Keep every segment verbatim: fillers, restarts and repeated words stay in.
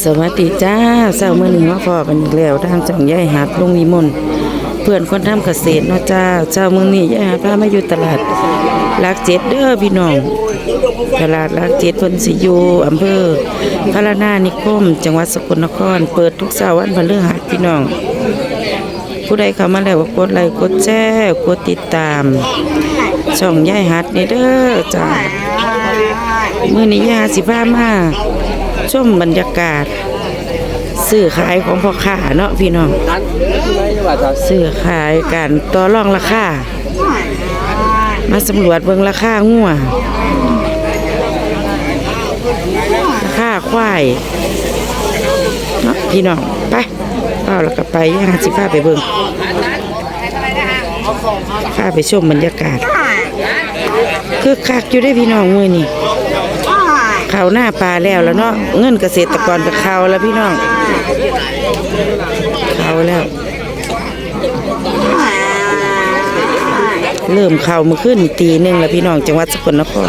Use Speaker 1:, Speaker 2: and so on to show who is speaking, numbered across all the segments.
Speaker 1: สวัสดีจ้าเช้ามื้อนี้มาพอกันอีกแล้วทางจ่องยายหัดลุงนิมนต์เพื่อนคนทำเกษตรเนาะจ้าเช้ามื้อนี้ยายหัดพามาอยู่ตลาดหลักเจ็ดเด้อพี่น้องตลาดหลักเจ็ดเพิ่นสิอยู่อำเภอพระนานิคมจังหวัดสกลนครเปิดทุกเช้าวันพฤหัสพี่น้องผู้ใดเข้ามาแล้วก็กดไลค์กดแชร์กดติดตามช่องยายหัดนี่เด้อจ้ามื้อนี้ยายหัดสิพามาชมบรรยากาศซื้อขายของพ่อค้าเนาะพี่น้องซื้อขายกันต่อรองราคามาสำรวจเบิ่งราคางัวราคาควายเนาะพี่น้องไปเอาแล้วก็ไปย่างสิพาไปเบิ่งพาไปชมบรรยากาศคือคักอยู่ได้พี่น้องมื้อนี้ข้าวหน้าปลาแล้วแล้วเนาะเงินเกษตรกรกับข้าวแล้วพี่น้องข้าวแล้วเริ่มข้าวมาขึ้นตีหนึ่งแล้วพี่น้องจังหวัดสกลนคร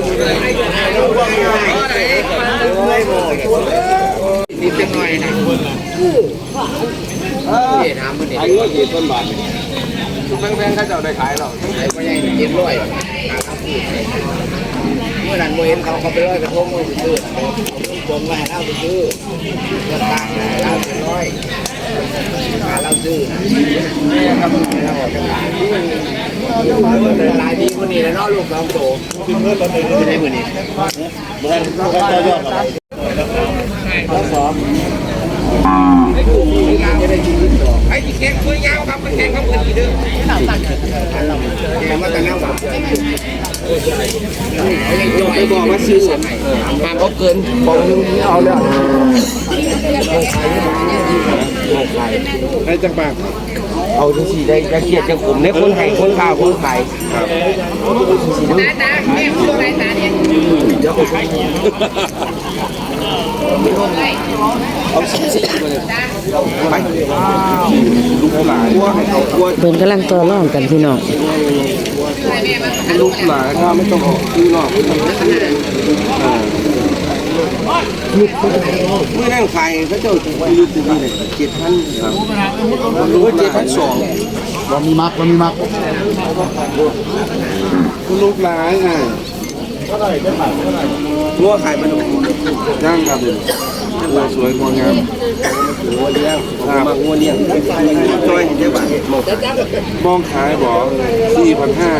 Speaker 2: แพงๆเขาจะได้ขายหรอกขายไปยังเจ็ดร้อยเมื่อนั้นโมเห็นเขาเขาไปร้อยกระทงไปซื้อจงไว้ให้เราไปซื้อเงินต่างเราเป็นร้อยมาเราซื้อเราออกจากร้านลายดีคนนี้แล้วเนาะลูกน้องโตไม่ได้เหมือนนี้เหมือนเราก็จะยอดเราสอบจะได้กินต่อไอ้ที่แข่งคุยยาวครับมันแข่งเขาเงินกี่เดือนแข่งมาแต่แล้วแบบไปบอกว่าซื้อมาเขาเกินบอกนึงเอาแล้วได้จังปากเอาทุกสีได้จะเกียดจะผมเนี่ยคนไทยคนข่าวคนไทยตาตาแม่พูดอะไรตาเนี่ยเดี๋ยวผมไปเอาสิสิมาเลยไปลูกหลาน
Speaker 1: เบิ่งกำลังต่อรองกันพี่น้อง
Speaker 2: ลูกหลานถ้าไม่ต้องซื้อหรอกเมื่อนั่งขายเขาเจ้าอยู่ที่นี่เลยเจ็ดพันรู้ว่าเจ็ดพันสองว่ามีมักว่ามีมักลูกหลานไงงัวขายมันย่างครับงัวสวยงัวงามงัวเลี้ยงมางัวเลี้ยงจอยเห็นได้ป่ะมองขายบอกสี่พันห้า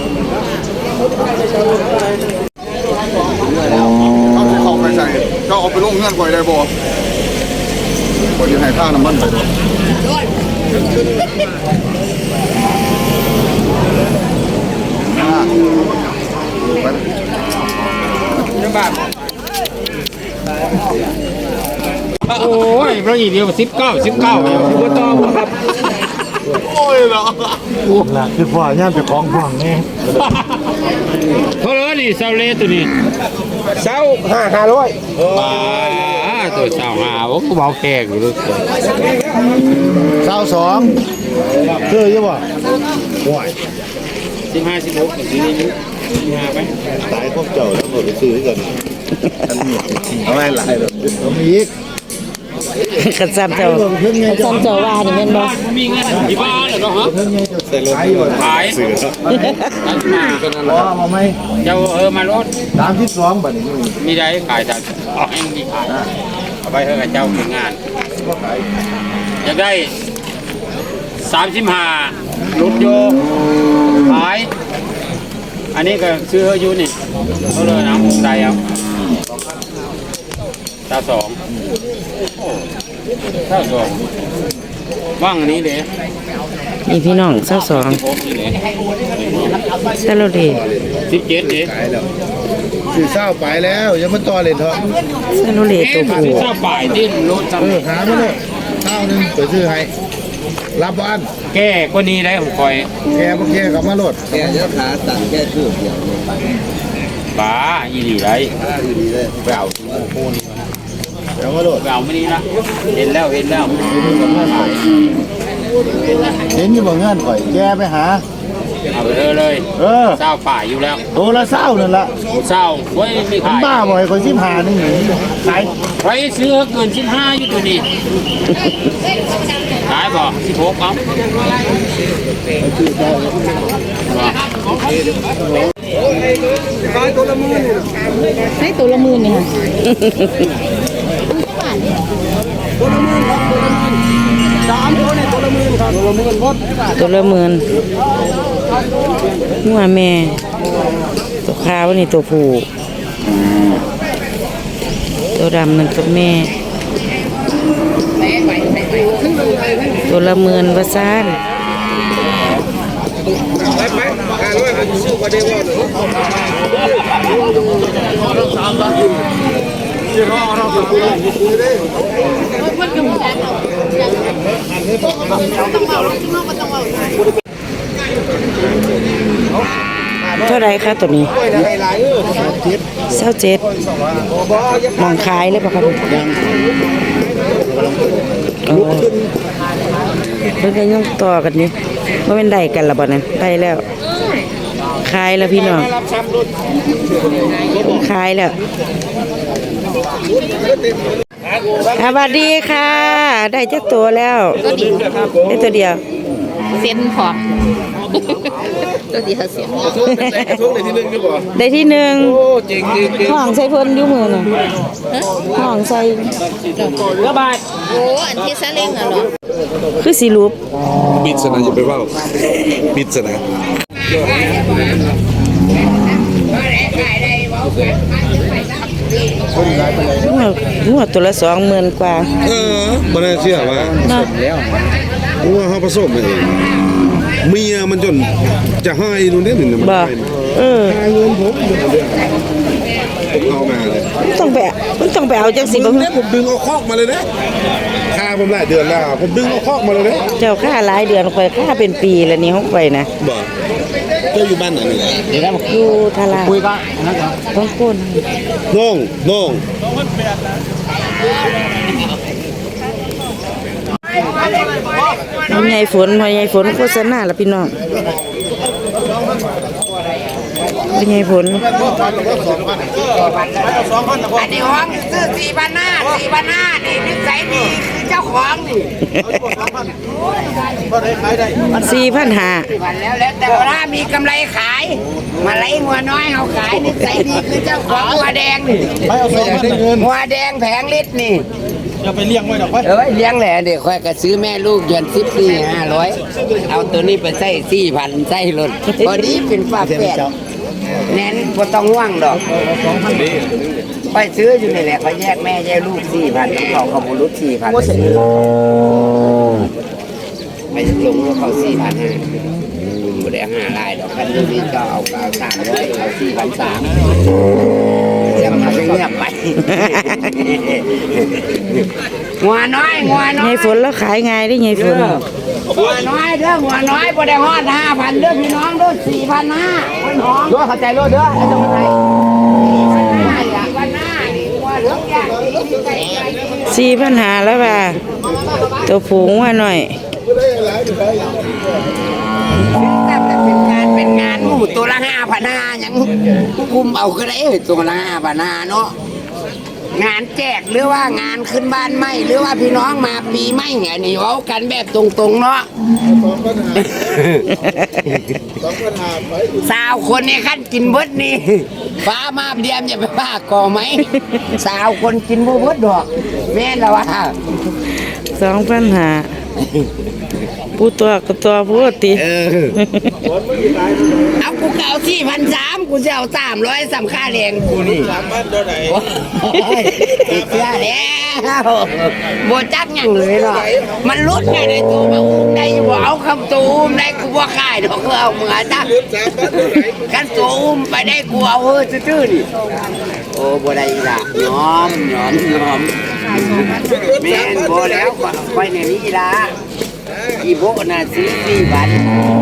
Speaker 2: เขาจะเข้าไปใส่ก็เอาไปลงเงื่อนไขได้บ่บ่ยังให้ค่าน้ำมันไปด้วยยังบาท
Speaker 3: โอ้ยเราอีกเดียวสิบเก้าสิบเก้าอยู่ต่อครับ
Speaker 2: โอ้ยเหรอ
Speaker 4: ล่ะคือพ่อย่านไปของห่วงนี่
Speaker 3: เพราะว่านี่เซาเล่ตัวนี้
Speaker 2: เศร้าห้าห้าร้อย
Speaker 3: บ้าตัวเศร้าหาผมก็เบาแขกอยู่ด้วย
Speaker 4: เศร้าสองคือยังบ่ห่วย
Speaker 3: สิบห้าสิบหกสิบนี้มาไป
Speaker 4: ตายพวกเจ้าแล้วหมดไปซื้อกันเอาไว้หลายเลยเอามีอีก
Speaker 1: กันซ้ำเจ้ากันซ้ำเจ้าว่านี่แม่นบ่
Speaker 3: มีเงินที่บ้านเหรอฮะ
Speaker 4: ใส่รถขายซื้ออ๋อมาไหม
Speaker 3: เจ้าเออมารถ
Speaker 4: สามสิบสองบาทนี่
Speaker 3: มีได้ขายแต่เองมีขายเอาไปเถอะเจ้าเป็นงานอยากได้สามสิบห้ารถโยขายอันนี้ก็ซื้ออยู่นี่เขาเลยนะมุมใดเอาตาสองตาสองว่างนี้เลย
Speaker 1: นี่พี่น้องเศร้าสองซาโลเด
Speaker 3: สิบเจ็ดเด็ก
Speaker 4: ซื้อเศร้าไปแล้วยังมันต่อเลยเถอะ
Speaker 1: ซาโลเดตัวผู้
Speaker 3: เศร้าป่ายดิ้นรถ
Speaker 4: เออหามาเลยเศร้าหนึ่งไปซื้อให้รับบ้าน
Speaker 3: แก้ก็นี้ได้ของคอย
Speaker 4: แกเมื่อกี้กับมาโหลด
Speaker 2: แกจะขาตัดแค่ชื่อเดียว
Speaker 3: บ้าอีหลีไรไปเอาโคนี่
Speaker 4: เดี๋ยวมาโหลด
Speaker 3: ไปเอาไม่นี้ละเห็นแล้วเห็นแล้ว
Speaker 4: เห็นอยู่บ่เงื่อนข่อยแกไปหา
Speaker 3: เอาไปเถอะเลย
Speaker 4: เออ
Speaker 3: เศร้าป่าอยู่แล้ว
Speaker 4: ตัวละเศร้านั่นละ
Speaker 3: เศร้าไว้ไม่
Speaker 4: มัน
Speaker 3: ขาย
Speaker 4: บ้าบ่อยคนสิบห้านี่ขาย
Speaker 3: ไปซื้อเกินสิบห้าอยู่ตัวนี้ขายบ่สิบหกเอา
Speaker 1: ให้ตัวละหมื่นนี่ค่ะตัวละหมื่นหัวแม่ตัวขาวนี่ตัวผู้ตัวดำนั่นตัวแม่ตัวละหมื่นว่าซ่านเท่าไรคะตัวนี้เศร้าเจ็ดมองขายเลยป่ะครับโอ้เพิ่งจะย่องต่อกันนี่ว่าเป็นได้กันละบ่เนี่ยได้แล้วขายแล้วพี่น้องขายแล้วสวัสดีค่ะ ได้จักตัวแล้วได้ตัวเดียว
Speaker 5: เส้นพอ ตัวเดียวเสียง
Speaker 1: ได้ที่หนึ่งห้องใส่เพิ่นอยู่มือน่ะห้องใส่
Speaker 3: ระบาย
Speaker 5: โอ้อันที่ซาเล้งอ่ะเหรอ
Speaker 1: คือสีรูป
Speaker 6: ปิดสนะอย่าไปว่าปิดสนะ
Speaker 1: หัวหัวตัวละสองหมื่นกว่า
Speaker 6: เออบ่น่าเชื่อว่า
Speaker 1: เนาะ
Speaker 6: ว่าเขาผสมมาเองเมียมันจนจะให้นู่นนี่หนึ่งมัน
Speaker 1: บ่
Speaker 6: ให้
Speaker 1: เออ
Speaker 6: เอามาเลย
Speaker 1: มันต้องไปมันต้องไปเอาจังสิ
Speaker 6: ผ
Speaker 1: บ่
Speaker 6: มเนี่ยผมดึงเอาคอกมาเลยนะค่าผมหลายเดือนแล้วผมดึงเอาคอกมาเลยนะ
Speaker 1: เจ้าค่าหลายเดือนค่อยค่าเป็นปีแล้วนี่ห้องไปนะ
Speaker 6: บ่เจ้าอยู่บ้านไหนนี่
Speaker 1: อยู่ทารา
Speaker 3: คุยกันนะครับ
Speaker 1: ต้องโคน
Speaker 6: น้องน้อง
Speaker 1: พ่อใหญ่ฝนพ่อใหญ่ฝนโฆษณาละพี่น้องพ่อใหญ่ฝน
Speaker 2: อันนี้ห้องซื้อสี่พันห้าสี่พันห้านี่นิสัยดีคือเจ้าของนี่
Speaker 1: สี่พันห้า
Speaker 2: วันแล้วแล้วแต่ว่ามีกำไรขาย มาไล่หัวน้อยเอาขายนิสัยดีคือเจ้าของหัวแดงนี่หัวแดงแผงลิตรนี่จะไปเลี้ยงไว้ดอกเอ้ยเลี้ยงแหละเด็กค่อยก็ซื้อแม่ลูกเดือนสิบสี่ห้าร้อยเอาตัวนี้ไปใส่สี่พันใส่รถพอดีเป็นฝาแฝดแน่นบ่ต้องห่วงดอกไปซื้ออยู่นี่แหละเขาแยกแม่แยกลูกสี่พันเขาเขาบุรุษสี่พันไม่ลงเขาสี่พันห้าบุได้ห้าลายดอกคันนี้ก็เอาเอาสามร้อยเอาสี่พันสามจะมาเงียบไปหัวน้อยหัวน้อย
Speaker 1: ใหญ่ฝนแล้วขายง่ายได้ใหญ่ฝน
Speaker 2: หัวน้อยเด้อหัวน้อยบ่ได้ฮอดห้าพันเด้อพี่น้องเด้อสี่พันห้าคนหอมด้วยเข้าใจรถเด้อไอ้ตรงไหนอยากวันหน้านี่หัวเหลืองอย่างนี้
Speaker 1: สี่พันหาแล้วว่าตัวผูงว่าหน่อย
Speaker 2: แต่เป็นงานเป็นงานหมู่ตัวละห้าพันห้ายังคุมเอาก็ได้ตัวละห้าพันห้าเนาะงานแจกหรือว่างานขึ้นบ้านใหม่หรือว่าพี่น้องมาปีใหม่ไงนี่เว้ากันแบบตรงๆเนาะสาวคนในขั้นกินเบิดนี่ฟ้ามาเดียมอย่าไปว่าก่อไหมสาวคนกินบ่เบิดดอกแม่นแล้วว่า
Speaker 1: สองพันหาผู้ตัวก็ตัวผู้ติ
Speaker 2: เอากูเก่าที่พันสามกูจะเอาสามร้อยสำค่าแรงกูนี่สามพันตัวไหนติดเชื้อแล้วโบจักยังเลยเนาะมันลุดไงในตัวมาอุ้มได้บ่เอาคำตัวอุ้มได้กูบ่ขายดอกเอาเหมือนจ้ะกันตัวอุ้มไปได้กูเอาเออซื่อๆนี่โอ้บ่ได้ละยอมยอมยอมแม่นบ่แล้วไปในนี้ละอีโบน่ะซื้อสี่บาท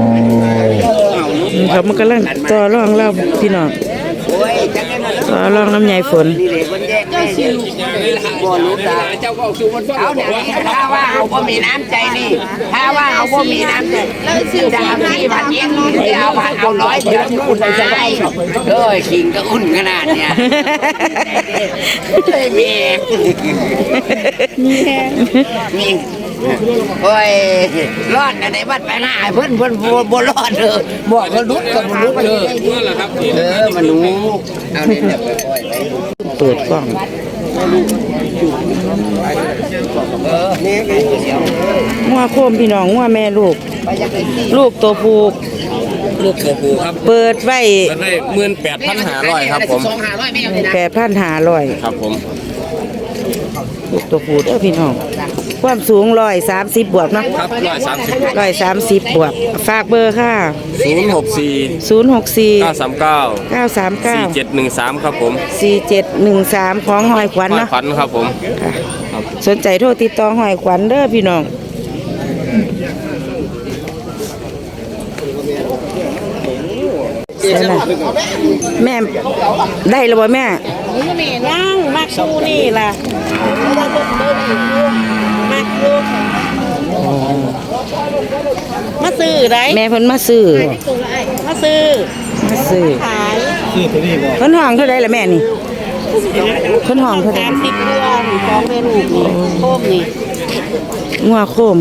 Speaker 1: เขามันกำลังต่อรองเราพี่น้อง
Speaker 2: โอ้ยจังได๋
Speaker 1: ต่อรองน้ำใหญ่ฝน
Speaker 2: นี่เลยคนแยกแม่บ่รู้ตาเจ้าก็สู่มันเอาเนี่ยถ้าว่าเขาบ่มีน้ำใจนี่ถ้าว่าเขาบ่มีน้ำใจแล้วสิจะเอาที่พันเย็นจะเอาพันเอาร้อยเดียวคุณจะได้เอ้ยขิงก็อุ่นขนาดเนี่ยเลยมีมีโอ้ยรอดในบัดไปหน้าเพิ่นเพิ่นบ่รอดเลยบอกเขาลุกก็บ่ลุกเลยเออมันหนูเอาเนี่ยไปปล่อยไป
Speaker 1: เปิดกล้องงัวโคมพี่น้องงัวแม่ลูก ลูกตัวผูก
Speaker 3: ลูกตัวผู้ครับ
Speaker 1: เปิดไว้
Speaker 3: มันได้หมื่นแปดพันห้าร้อยครับผม
Speaker 1: แปดพันห้าร้อย
Speaker 3: ครับผม
Speaker 1: ลูกตัวผูเด้อพี่น้องความสูงร้อยสามสิบบวกเนาะ
Speaker 3: ครับร้อยสามสิบ
Speaker 1: ร้อยสามสิบบวกฝากเบอร์ค่ะ
Speaker 3: ศูนย์หกสี่
Speaker 1: ศูนย์หกสี่
Speaker 3: เก้าสามเก้า
Speaker 1: เก้าสามเก้า
Speaker 3: สี่เจ็ดหนึ่งสามครับผม
Speaker 1: สี่เจ็ดหนึ่งสามของหอยขวัญ
Speaker 3: ห้อย
Speaker 1: เนาะ
Speaker 3: ขวัญครับผม
Speaker 1: ค่ะสนใจโทรติดต่อหอยขวัญเด้อพี่น้องแม่ได้แล้วบ่แม่
Speaker 5: ย่างมากสู้นี่ล่ะมากอยู่มาซื้อได้
Speaker 1: แม่เพิ่นมาซื้อ
Speaker 5: มาซื้อ
Speaker 1: มาซื้อ
Speaker 5: ขาย
Speaker 1: เพิ่นห้องเท่าใดล่ะแม่นี่เพิ่นห้องเท่าใด
Speaker 5: สามสิบตัวนี่ของแม่ลูกนี่โคมนี่
Speaker 1: งัวโคม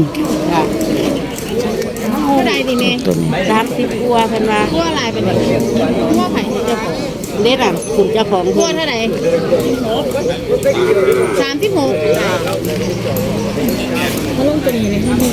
Speaker 5: เท่าไหร่ดิแม่
Speaker 1: ตัวนี้
Speaker 5: สามสิบตัวเพิ่นว่าตัวอะไรเป็นแบบตัวไผ่เจ้าของเด็ดอ่ะคุณเจ้าของตัวเท่าไหร่สามสิบหกมาลงตัวนี้เลยที่นี่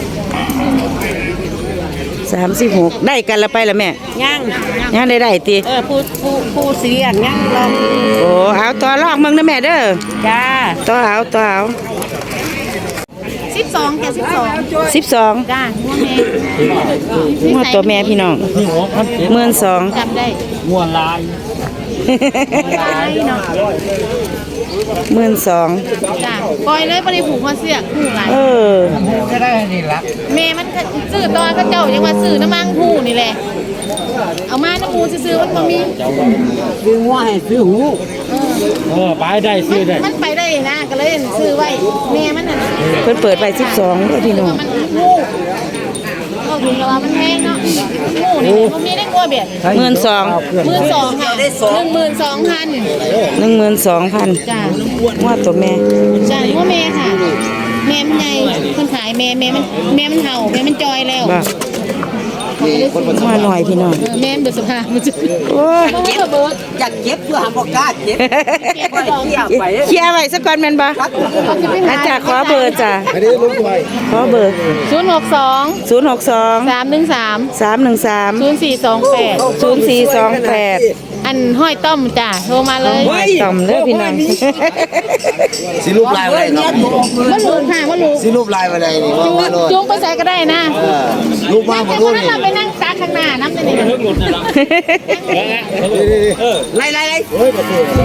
Speaker 1: สามสิบหกได้กันละไปละแม่
Speaker 5: ย่าง
Speaker 1: ยังได้ได้ติ
Speaker 5: เออผู้ผู้ผู้เสียงย่างลอง
Speaker 1: โอ้เอาต่อรองมึงนะแม่เด้อ
Speaker 5: จ้า
Speaker 1: ต่อเอาต่อเอา
Speaker 5: สิบสองจ้ะสิบสอง
Speaker 1: สิบสอง
Speaker 5: จ้าหัวแม่
Speaker 1: งัวตัวแม่พี่น้องหมื่นสอง
Speaker 5: จำได้
Speaker 3: ง่วนลาย
Speaker 5: ลายเนาะ
Speaker 1: หมื่นสอง
Speaker 5: จ้าปล่อยเลยบ่ได้ผูกคอเสียผูกหลาย
Speaker 1: เออ
Speaker 2: ก็ได้นี่ละ
Speaker 5: แม่มันก็ซื้อตอนก็เจ้ายังว่าซื้อน้ำมังผูนี่แหละเอามาน้ำมูซื้อๆมันบ่มี
Speaker 2: ซื้อหัวให้ซื้อหู
Speaker 3: เออไปได้ซื้อได้
Speaker 5: มันไปได้นะก็เลยซื้อไว้แม่มันน่ะ
Speaker 1: เพิ่นเปิดไปสิบสองเด้อพี่น้อง
Speaker 5: มันงูก็ถึงกับว่ามันแพงเนาะงูนี่มันมีได้กลัวเบียด
Speaker 1: หมื่นสอง
Speaker 5: หมื่นสองค่ะหนึ่งหมื่นสองพัน
Speaker 1: หนึ่งหมื่นสองพัน
Speaker 5: จ้า
Speaker 1: งัวตัวแม่
Speaker 5: จ้าว่าแม่ค่ะ แม่มันใหญ่คนขายแม่แม่มันแม่มันเห่าแม่มันจอยแล้ว
Speaker 1: บ่งัวหน่อยพี่น้อง
Speaker 5: เออแม่มันเดือดสภาพมันจะ
Speaker 1: โอ้ย
Speaker 5: เก็บเบิร์ด
Speaker 2: อยากเก็บเพื่อหาบ่กล้าเก็บ
Speaker 5: เก็บของ
Speaker 1: เคลียร์ไว้สักก่อนแม่นบ่อาจารย์ขอเบอร์จ้ะ
Speaker 6: อันนี้ลงไป
Speaker 1: ขอเบอร์
Speaker 5: ศูนย์หกสอง
Speaker 1: ศูนย์หกสอง
Speaker 5: สามหนึ่งสาม
Speaker 1: สามหนึ่งสาม
Speaker 5: ศูนย์สี่สองแปด
Speaker 1: ศูนย์สี่สองแปด
Speaker 5: อันห้อยต้อมจ้าโทรมาเลย
Speaker 1: ต่ำเด้อพี่น้อง
Speaker 2: สิรูปลายไว้ครับ
Speaker 5: มันรู้ค่ะมันรู้
Speaker 2: สิรูปลายไว้ได้นี่
Speaker 5: จู
Speaker 2: ว่าโลด
Speaker 5: จูงไปใส่ก็ได้นะ
Speaker 2: รูปมาบ่
Speaker 5: แต่
Speaker 2: รู้
Speaker 5: วันนั้น
Speaker 2: นี่
Speaker 5: เราไปนั่งซักข้างหน้าน้ำเป็นยังไง
Speaker 2: ไล่ไล่ไล่
Speaker 5: เออ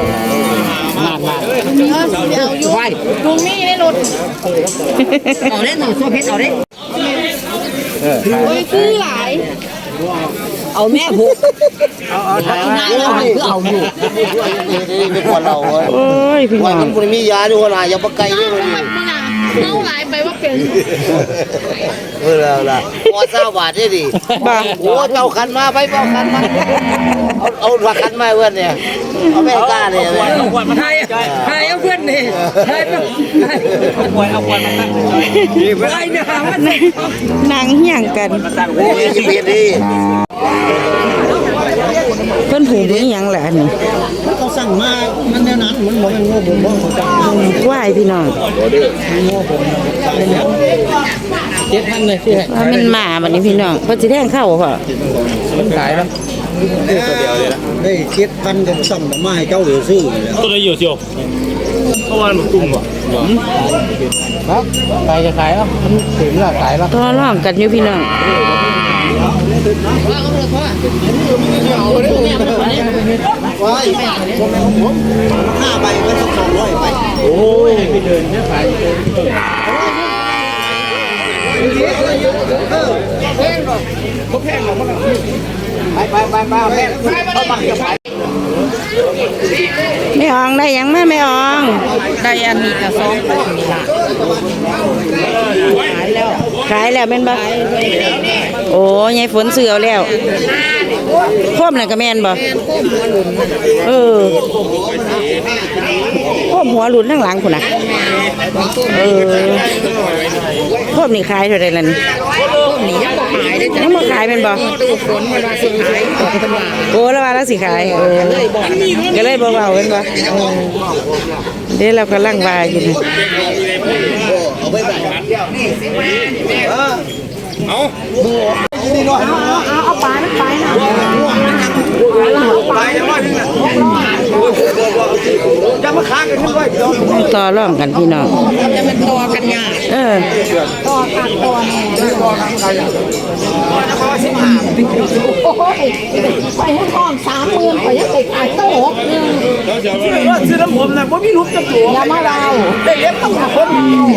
Speaker 5: เอาอยู่ลุงนี่ได้รถ
Speaker 2: เอาเด้หนูซัวเพชรเอาเด้
Speaker 5: โอ้ยซื้อหลาย
Speaker 2: เอาแม่ผูกเอาเอาถ่ายมาเอาคือเอาอยู่นี่เป็นคนเราเว้ย
Speaker 1: โอ้ยพี่
Speaker 2: ว่า
Speaker 1: น้อ
Speaker 2: มั
Speaker 1: ง
Speaker 2: นบ่มียาด้วยว่าอย่าบ่ไกล
Speaker 5: เมา
Speaker 2: เด้อ
Speaker 5: มันมันอ่ะเมาหลายไปว่าเป็น
Speaker 2: เออแล้วล่ะพอเศร้าบาทได้ดิ
Speaker 1: บ่า
Speaker 2: โอ้เจ้าขันมาไปเจ้าขันมาเอาเอาว่าขันมาเพื่อนเนี่ยเอาแม่กล้าเนี่ยเอาขวดมาให้ให้เอาเพื่อนนี่ให้เอาขวดเอาขวดมาตั้งไอ้เนี่ยมัน
Speaker 1: นางเฮี้ยงกัน
Speaker 2: โอ้ยเบียดดิ
Speaker 1: เพิ่นผูกนี่หยังล่ะอันนี้
Speaker 2: เขาสั่งมามันแนวนั้นมันบ่แม่นโง่บ่บ่เขาจัง
Speaker 1: ไหว้พี่น้อง
Speaker 2: เจ็ดพันเลยที่ให้
Speaker 1: ว่ามันมาบัดนี้พี่น้องเพิ่นสิแทงเข้าบ่พ่อ
Speaker 2: มันขายแล้วตัวเดียวเลยล่ะได้เจ็ดพันก็สั่งมาให้เจ้าเหลือซื้อแล้ว
Speaker 3: ตัวไหนอยู่เชียวเพราะว่ามันตุ้มอ่ะ
Speaker 2: ครับใครจะขายแล้วมันถึงแล้วขายแล้ว
Speaker 1: ต่อรองกันอยู่พี่น้อง
Speaker 2: ว้ายห้าใบก็ต้องสองร้อยไปโอ้ยไปเดินแค่ขายเออแพงหรอกเขาแพงหรอกมันไปไปไปไปแม่เข้ามาเดี๋ยวไป
Speaker 1: ไม่อองได้หยังมาไม่อองได้อันนี้กับสองขายแล้วขายแล้วเป็นบ่โอ้ยายฝนเสือเอาแล้วโคมน่ะก็แม่นบ่เออโคมหัวหลุนข้างหลังพุ่นน่ะเออโคมนี่ขายเท่าใดล่ะนี่ยังบ่ขายเป็นบ่โอ้แล้วว่าแล้วสิขายเออก็เลยบ่เว้าเป็นบ่เดี๋ยวเรากำลังว่าอยู่นี่
Speaker 2: จะมาค้างกันขึ้นด้วย
Speaker 1: ต่อร่องกันพี่น้องจะมันต่อกันยากเออ
Speaker 5: ต่อขาดต่อแน่โอ้ยไปให้ห้องสามหมื่นไปยังไปขายตั้งหกหนึ่ง
Speaker 2: ซื้อน้ำผมนะผมมีรูปจะตัว
Speaker 5: อย่ามาเรา
Speaker 2: ได้เล็บต้องหาคน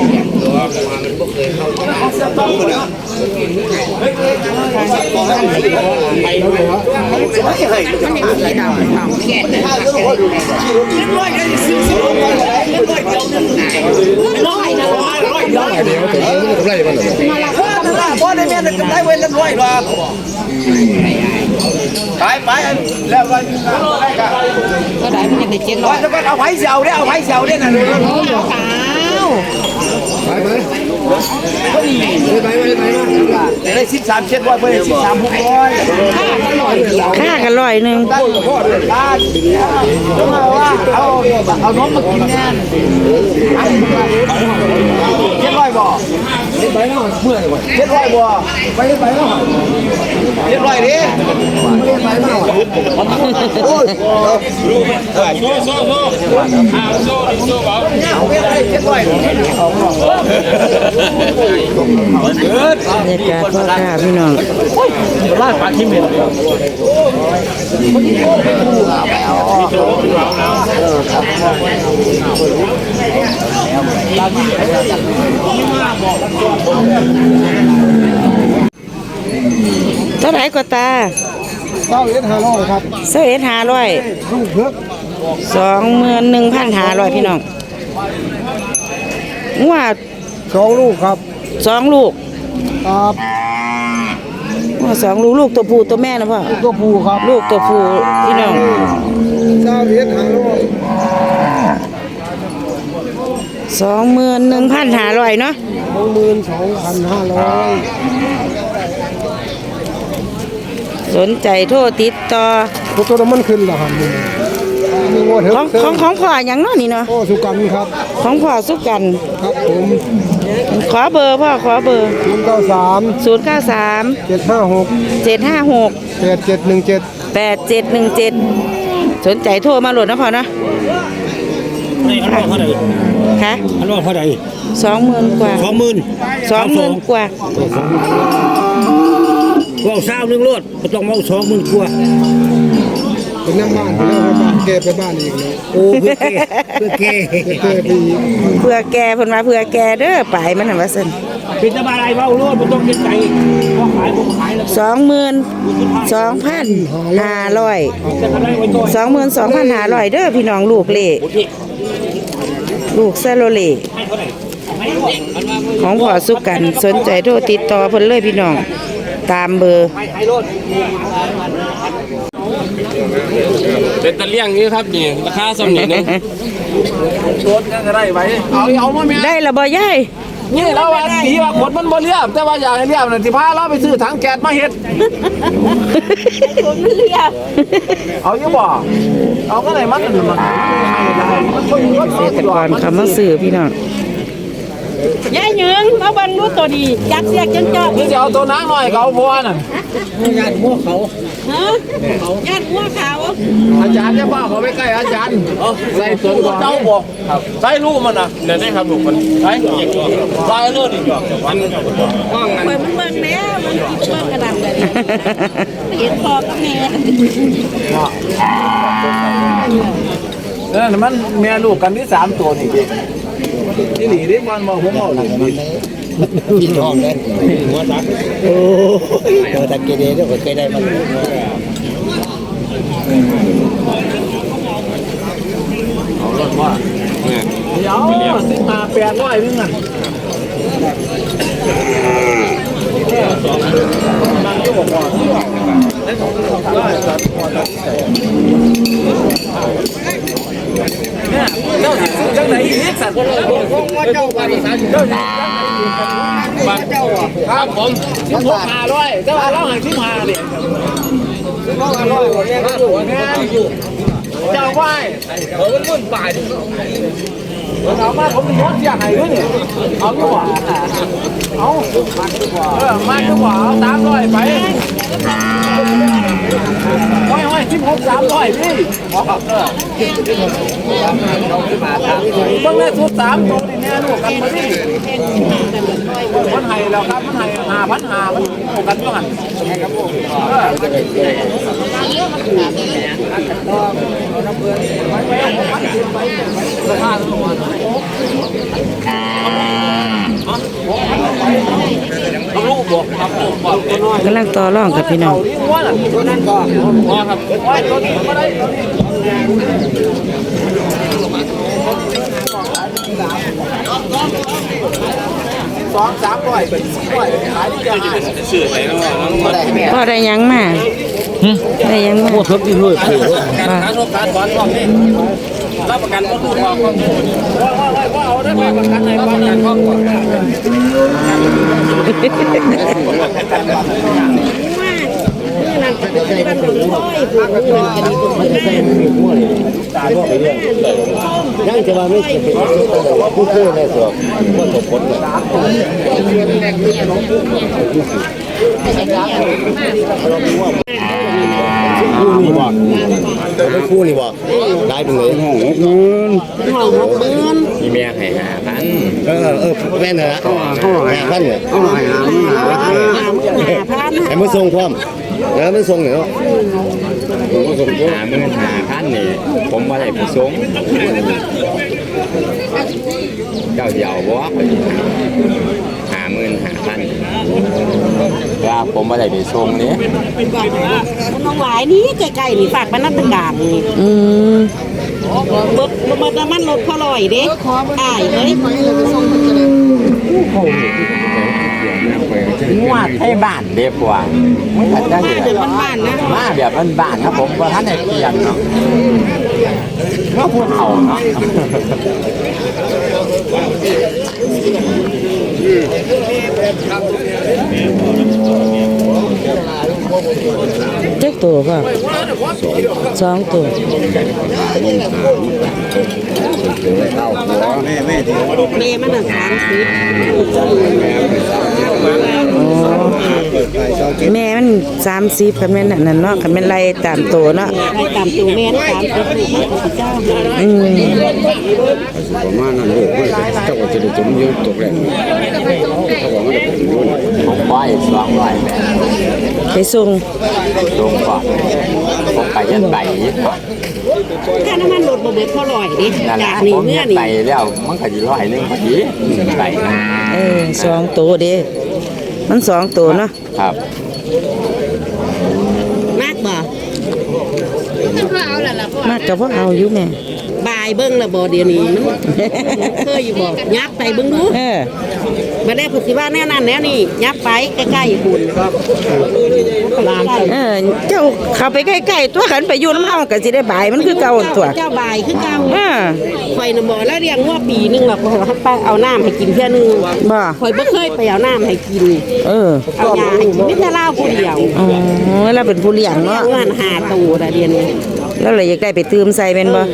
Speaker 2: พ่อได้แม่ได้เว้นแล้วด้วยหรอไปไปแล้วก็ได้กันก็ได้มันยังได้เจ็ดร้อยแล้วก็เอาไผ่เสียวได้เอาไผ่เสียวได้น่ะดูขาวไปไปไปไปไปไปได้สิบสามเจ็ดร้อยไปสิบสามหกร้อย
Speaker 1: ค่ากันร้อยหนึ่ง
Speaker 2: ตั้งโทษเลยตั้งเอาว่าเอาเอาน้องมากินแน่เจ็ดร้อยบ่เจ็ดร้อยเนาะเมื่อยบ่เจ็ดร้อยบ่ไปไปเนาะเจ็ดร้อยดิเจ็ดร้อยเนาะโอ้ยโซ่โซ่โซ่อ้าวโซ่โซ่บ่เนี่ยเอาไปเจ็ดร้อย
Speaker 1: บรรยากาศพ่อค้าพี่น้อง
Speaker 2: ลาดปลาขี้เหม็น
Speaker 1: เท่าไหร่ก็ตา
Speaker 2: เก้าเอ็ดห้าร้อยครับ
Speaker 1: เสื้อเอ็ดห้าร้อย
Speaker 2: ลูกเพิก
Speaker 1: สองหมื่นหนึ่งพันห้าร้อยพี่น้องงัว
Speaker 2: สองลูกครับ
Speaker 1: สองลูก
Speaker 2: ครับ
Speaker 1: งัวสองลูกลูกตัวผู้ตัวแม่นะพ่อ
Speaker 2: ตัวผู้ครับ
Speaker 1: ลูกตัวผู้พี่น้อง
Speaker 2: เก้าเอ็ดห้าร้อย
Speaker 1: สองหมื่นหนึ่งพันห้าร้อยเนาะ
Speaker 2: สองหมื่นสองพันห้าร้อย
Speaker 1: สนใจโทรติดต่อ
Speaker 2: ตัวน้ำมันขึ้นแล้วครับมีงวดเถ
Speaker 1: ของของของพ่ออย่างเนาะนี่เนาะ
Speaker 2: โอ้สุกันครับ
Speaker 1: ของพ่อสุกัน
Speaker 2: ครับผม
Speaker 1: ขอเบอร์พ่อขอเบอร์
Speaker 2: ศูนย์เก้าสาม
Speaker 1: ศูนย์เก้าสาม
Speaker 2: เจ็ดห้าหก
Speaker 1: เจ็ดห้าหก
Speaker 2: แปดเจ็ดหนึ่งเจ็ด
Speaker 1: แปดเจ็ดหนึ่งเจ็ดสนใจโทรมาโหลดนะพ่อนะ
Speaker 7: นี่อันว่าเท่าไหร่
Speaker 1: ค่ะ
Speaker 7: อันว่าเท่าไหร่
Speaker 1: สองหมื่นกว่า
Speaker 7: สองหมื่น
Speaker 1: สองหมื่นกว่า
Speaker 7: ว่าเศร้าหนึ่งรถก็ต้องเอาสองหมื่นกว่า
Speaker 2: เป็นน้ำบ้านไปแล้วไปบ้านเกไปบ้านอีกเลย
Speaker 7: โอ้เพื่อแก่เพื่อแก่
Speaker 2: เกไปอีก
Speaker 1: เพื่อแกเพิ่นมาเพื่อแกเด้อไปมันน่ะว่าซั่น
Speaker 7: เป็นตะบายเบารถมันต้องเป็นใจพอขายผมขายแล้ว
Speaker 1: สองหมื่นสองพันห้าร้อย
Speaker 7: จะทำได้ไว้ตัว
Speaker 1: สองหมื่นสองพันห้าร้อยเด้อพี่น้องลูกเล่ลูกซาโลเล่ของพ่อสุกันสนใจโทรติดต่อเพิ่นเลยพี่น้องตามเบอร์
Speaker 3: เป็นตะเลี่ยงนี้ครับนี่ราคาสำนีนึงชดก็ได้ไว้เอาเอามาแม่
Speaker 1: ได้ละบ่ยาย
Speaker 3: นี่เราว่าดีว่าขนมันบ่เรียบแต่ว่าอยากให้เรียบน่ะสิพาเราไปซื้อถังแก๊สมาเฮ็ดเอาอยู่บ่เอาก็ได้มันมันมันคนรถ
Speaker 1: เกษตรกรเขามาซื้อพี่น้อง
Speaker 5: ยายหยืงมาบันรู้ตัวดีจักเสียกจนจอบ
Speaker 3: นี่จะเอาตัวนางหน่อยเขาพอน่ะ
Speaker 5: ฮะญาติหัวขาว
Speaker 3: อาจารย์จะบ้าเขาไปใกล้อาจารย์ใส่ตัวเจ้าบอกใส่ลูกมันนะเดี๋ยวได้ครับลูกมันใส่ใส่เลือดอีกมันว่างกัน
Speaker 5: เปิดมันเบิ่งแม่มันเบิ่งกระดังเลยเห็นพอกับแม่
Speaker 3: เออมันแม่ลูกกันที่สามตัวนี่
Speaker 7: นี่หนีได้มันมาผมเอาหนี
Speaker 2: กินทองเลยหัวตักโอ้หัวตักเกเรเดี๋ยวเคยได้มัน
Speaker 3: เอารถว่าเนี่ย
Speaker 7: เดี๋ยวสิมาแปดร้อยนึงอ่ะนั่นก็บอกว่าได้สองร้อยสัตว์เนี่ยเจ้าสิจังไหนอีกสัตว์ว่าเจ้าว่าเจ้าเจ้าเจ้าอ่ะครับผมสิบหกห้าร้อยเจ้าเราให้สิบห้าเนี่ยสิบหกห้าร้อยเนี่ยก็อยู่เนี่ยอยู่เจ้าไหวเออมันมุ่นตายเอามาผมย้อนเสียหายด้วยเนี่ยเอาดีกว่าเอามากดีกว่าเออมากดีกว่าเอาสามร้อยไปห้อยห้อยสิบหกสามร้อยพี่เออต้องได้ทุกสามตัวนี่แน่ลูกกันมาดิมันไห้แล้วครับมันไห้หาพันหามันโอกันก็หันครับผมเออราคาตัวเอาลูกบอกครับบอกตัวน้อย
Speaker 1: กำลังต่อรองกับพี่น้อง
Speaker 7: ว่าน่ะตัวนั้นก็พอครับว่าตัวนี้ไม่ได้ตัวนี้สองสามร้อยเป็นสี่ร้อยขายดีจังสื่อไหนเนาะ
Speaker 1: พ่อได้หยังมาได้หยังมา
Speaker 7: โคตรที่เลยคือ
Speaker 3: การค้าโชคการถอนพร้อมนี่รับประกันก็ถูกพอข้อมูล
Speaker 7: ว่าว่าว่าเอาได้ประกันในบ้านนั้นก็
Speaker 2: ยังจะมาไม่เป็นผู้ช่วยในส่วนผู้สมผลเลยคู่นี่บอกไม่คู่นี่บอกได้เป็นเลยห้องหกหมื่นห้องหกหมื่นมีเมียให้หาพันเออเออแม่นเหรอหาพันเนี่ยไอ้มือทรงความแล้วมือทรงเนี่ยหามื่นหาพันนี่ผมว่าได้ผู้ทรงเจ้าเดียวบอกหามื่นหาพันว่าผมว่าได้ไปทรงนี่
Speaker 8: น้องหวายนี่ใกล้ๆนี่ฝากบ้านนัดตะการนี่
Speaker 1: อืม
Speaker 8: รถรถน้ำมันรถพอลอยเด้อ้ายเอ้ย
Speaker 2: งวดให้บ้านเรียบกว่าไม่ทันได้
Speaker 8: มาเดินบ้านๆนะ
Speaker 2: มาแบบบ้านๆครับผมว่าท่านไหนเปลี่ยนเนาะก็พูดเอาเนาะ
Speaker 1: เจ๊กตัวป่ะสองตัว
Speaker 8: แม่มันน่ะสามสิบ
Speaker 1: แม่มันสามสิบคันแม่นนั่นเนาะคันแม่นไล่ตามตัวเนาะ
Speaker 8: ให้ตามตัวแม่นสามสิบลูกมันก็สิเจ้าให้
Speaker 1: อืม
Speaker 4: ประมาณนั้นลูกไม่เจ้าก็จะได้จมยืนตกแรงเขาบอกว่าจะเป็นรุ่น
Speaker 2: ผมว่าอีกสองร้อยแบบ
Speaker 1: ไปส่ง
Speaker 2: ลงก่อนผมไปยันใบยี่สิบ
Speaker 8: ถ้าน้ำมันรถบ่เบิดพอลอยเด้
Speaker 2: นั่นแห
Speaker 8: จา
Speaker 2: ละ
Speaker 8: กนี่
Speaker 2: ผม
Speaker 8: เมื่อ
Speaker 2: ยัน
Speaker 8: นี่
Speaker 2: ใบแล้วมันก็จะร้อยหนึ่งพอดีใบนะ
Speaker 1: เออสองตัวเด้มันสองตัวเนาะ
Speaker 2: ครับ
Speaker 8: มากบ่
Speaker 1: มากกับพวกเอาอยู่แม่
Speaker 8: บายเบิ่งละบ่เดี๋ยวนี้มันเคยอยู่บ่ยับไปเบิ่งดู
Speaker 1: เออ
Speaker 8: บ่ได้พูดสิว่าแนวนั้นแนวนี้ยับไปใกล้ๆคุณลาน
Speaker 1: เออเจ้าเข้าไปใกล้ๆตัวขันไปอยู่น้ำเฮาก็สิได้บายมันคือเก่าตัว
Speaker 8: เจ้าบายคือเก่า
Speaker 1: เออ
Speaker 8: ข่อยน่ะบ่แล้วเลี้ยงงัวปีนึงแล้วข่อยให้ไปเอาน้ำให้กินเทื่อนึง
Speaker 1: บ่
Speaker 8: ข่อยบ่เคยไปเอาน้ำให้กิน
Speaker 1: เออ
Speaker 8: เอายาให้กินมีแต่เหล้าผู้เดียว
Speaker 1: อ๋อแล้วเป็นผู้เลี้ยง
Speaker 8: เลี้ย
Speaker 1: เนาะ
Speaker 8: งมันหาตูแต่เดียวนี้
Speaker 1: แล้วเลยอยากได้ไปตืมใส่เป็นบ่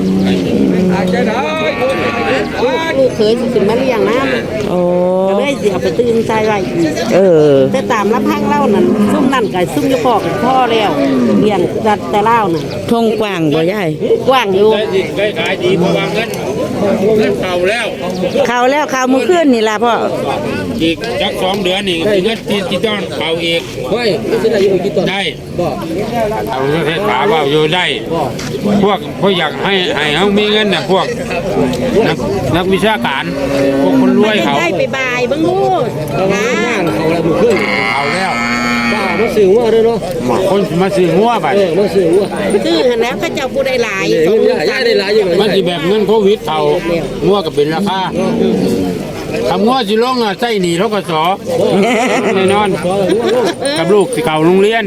Speaker 8: ลูกเคยสิขึ้นมาเลี้ยงน้
Speaker 1: โอ้
Speaker 8: ำก็เลยสิเอาไปตื่นใจไว้อีก
Speaker 1: เออ
Speaker 8: แต่ตามลำพังเล่านั่นซุ่มนั่นกับซุ่มอยู่พ่อกับพ่อแล้วเลี้ยงแต่แต่เล่านั่น
Speaker 1: ทงกว้างบ่ยาย
Speaker 8: กว้างอยู่
Speaker 3: ได้ดีได้ขายดีเพราะว่าเงินเงินเก่าแล้ว
Speaker 1: ข่าวแล้วข่าวมื้อคืนนี่ล่ะพ่อ
Speaker 3: อีกจักสองเดือนนี่เงินที่ที่ต้องเก่าอีก
Speaker 7: เฮ้ยไม่ใช่อยู่กี่ต้น
Speaker 3: ได้
Speaker 7: บ่
Speaker 3: เอาเทศถามว่าอยู่ได้ พวกพวกอยากให้ให้เขามีเงินน่ะพวกนักนักวิชาการพวกคนรวยเขา
Speaker 8: ได้ไปบายเบิ่งลูก
Speaker 7: เอา
Speaker 8: นะ
Speaker 7: หน้าเขาแล้วมือขึ้น
Speaker 3: เอาแล้ว
Speaker 7: บ้ามาซื้อว่าเด้อเนาะ
Speaker 3: คนมาซื้อหัวไป
Speaker 7: เออมาซื้อว่า
Speaker 8: ซื้อหันแล้วเขาเจ้าผู้ได้หลาย
Speaker 7: เงินย่าได้หลายอยู่
Speaker 3: มันสิแบบเงินโควิดเขาหัวก็เป็นราคาทำหัวสิลงอ่ะใส่หนีทกศแน่นอนกับลูกสิเก่าโรงเรียน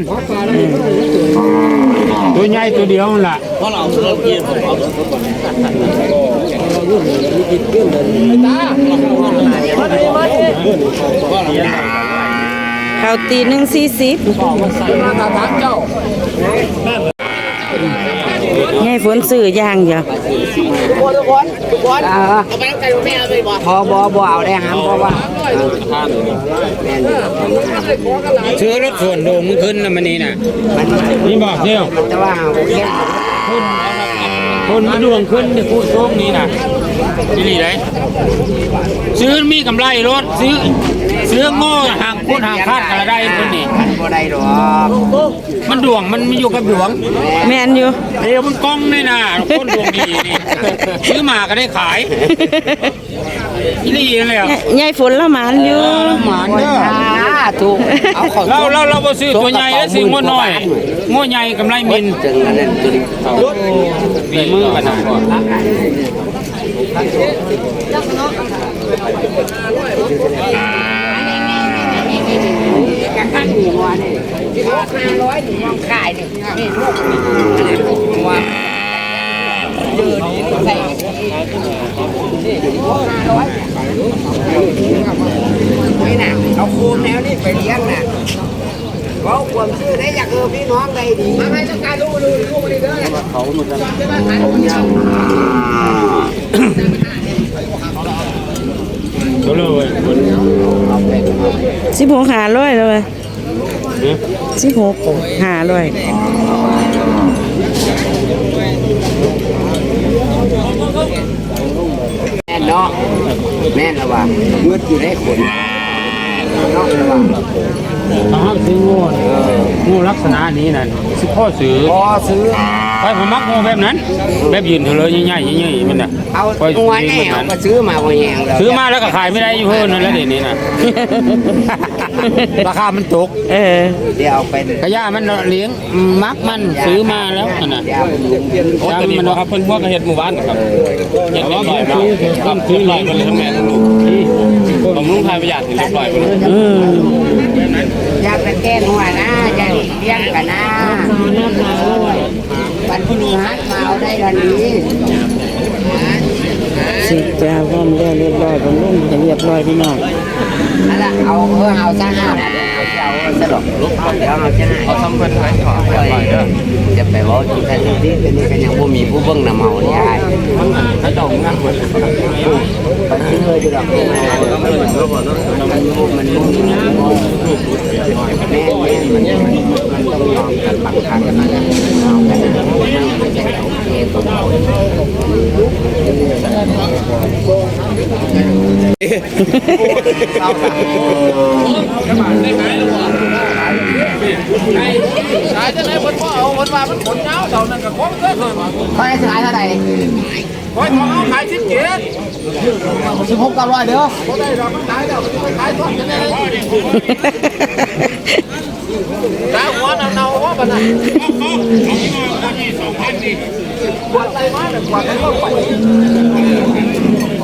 Speaker 3: ตัวใหญ่ตัวเดียวนั่นล่ะ
Speaker 1: ข่าวตีหนึ่งสี่สิบไงฝนซื้อย่างอย่า
Speaker 2: พอบ่บ่เอาได้หามเพราะว่า
Speaker 3: ซื้อรถส่วนโด่งมึงขึ้นนะมันนี่น่ะนี่บอกเที่ยว
Speaker 2: แต่ว่าเอาแค่
Speaker 3: คนมาดวงขึ้นในผู้โชคนี้นะนี่นี่เลยซื้อมีกำไรรถซื้อซื้อโง่ห่างพูดห่างคาดกันได้คนนี้
Speaker 2: บ่ได้ดอก
Speaker 3: มันดวงมันมีอยู่กับดวง
Speaker 1: แม่นอยู่
Speaker 3: เดี๋ยวมันกล้องนี่นะคนดวงดีนี่ซื้อมาก็ได้ขายนี่นี่เลยอ่ะ
Speaker 1: ยายฝนละหมานอยู่
Speaker 3: หมานเด้อ
Speaker 2: ถูกเอาเขา
Speaker 3: เราเราเราบ่ซื้อตัวใหญ่แล้วซื้องัวน้อยงัวใหญ่กำไรมิน
Speaker 2: จึงอันนั้นตัวนี้
Speaker 3: มีมือกันนะก่อน
Speaker 2: นี่น่ะเอาโคมแนวนี้ไปเลี้ยงน่ะเพราะความชื่อได้อยากเออพี่น้องได้ดีมาให้ต้องการรู้รู้รู้มาดีเด้อเขาเหมือนกัน
Speaker 3: ก็เลย
Speaker 1: สิบหกหาร้อยแล้วเว้ยสิบหกหาร้อย
Speaker 2: แม่นเนาะแม่นละว่าเมื่ออยู่ได้คนเนาะละว่า
Speaker 3: เขาห้ามซื้องูงูลักษณะนี้นั่นสิพ่อซื้อ
Speaker 2: พอซื้อ
Speaker 3: ไปผมมักงูแบบนั้น แบบยืนเถอะเลยใหญ่ๆใหญ่ๆมันน่ะ
Speaker 2: เอา
Speaker 3: ปล่อย
Speaker 2: ตัว
Speaker 3: ซื้
Speaker 2: แน่
Speaker 3: อ
Speaker 2: เอา
Speaker 3: มัน
Speaker 2: ก็ซื้อมาบ่แหงแล้ว
Speaker 3: ซื้อมาแล้วก็ขายไม่ได้อยู่เพิ่นนั่นแหละเดี๋ยวนี้น่ะ ราคามันตก
Speaker 1: เออ
Speaker 2: เดี๋ยวเอาเป็น
Speaker 3: กระยามันเลี้ยงมักมันซื้อมาแล้วนั่นน่ะ
Speaker 2: เดี๋ยวเอาเป็น
Speaker 3: จำมันครับเพิ่นพวกเฮ็ดหมู่บ้านครับเฮ็ดเรียบร้อยแล้วครับซื้อหลายคนเลยทั้งแม่ทั้งลูกบำรุงทายประหยัดเรียบร้อยหมดเลย
Speaker 1: อืม
Speaker 2: อยากไปแก้หัวนะอยากเลี้ยงกันนะวันพฤหัสมาเอาได้ทันนี้
Speaker 1: สิจ้าพร้อมแล้วเรียบร้อยบำรุงให้เรียบร้อยพี่น้อง
Speaker 2: นั่นแหละเอาเออเอาซะห้าเอาเอาสะดอกลุกเดี๋ยวเอาจะให้เอาซ้ำเพิ่นไว้ก่อนไปเด้อจะไปว่าที่ท่านที่เป็นนี่ก็ยังบ่มีผู้เบิ่งนำเฮานี่อ้ายถ้าดอกงามมันไปซื้อเลยอยู่ดอกมันมันมุ่งแม่แม่มันมันต้องยอมกันบางครั้งกันนะเอากันนะมันจะโอเคตรงเรา
Speaker 7: ขายจะไหนคนพ่อเอาคนว่ามันขนเงาเท่านั้นกับของเคยเคยมา
Speaker 2: ขายขายเท่าไหร่
Speaker 7: คอยของเอาขายสิบเจ็ด
Speaker 2: สิบหกเก้าร้อยเด้อ
Speaker 7: พอได้ดอกมันขายแล้วไปขายทอดกันเลยตาหัวเนาๆว่าบัดนั้นกวาดอะไรมาเนี่ยกวาดให้เข้าไป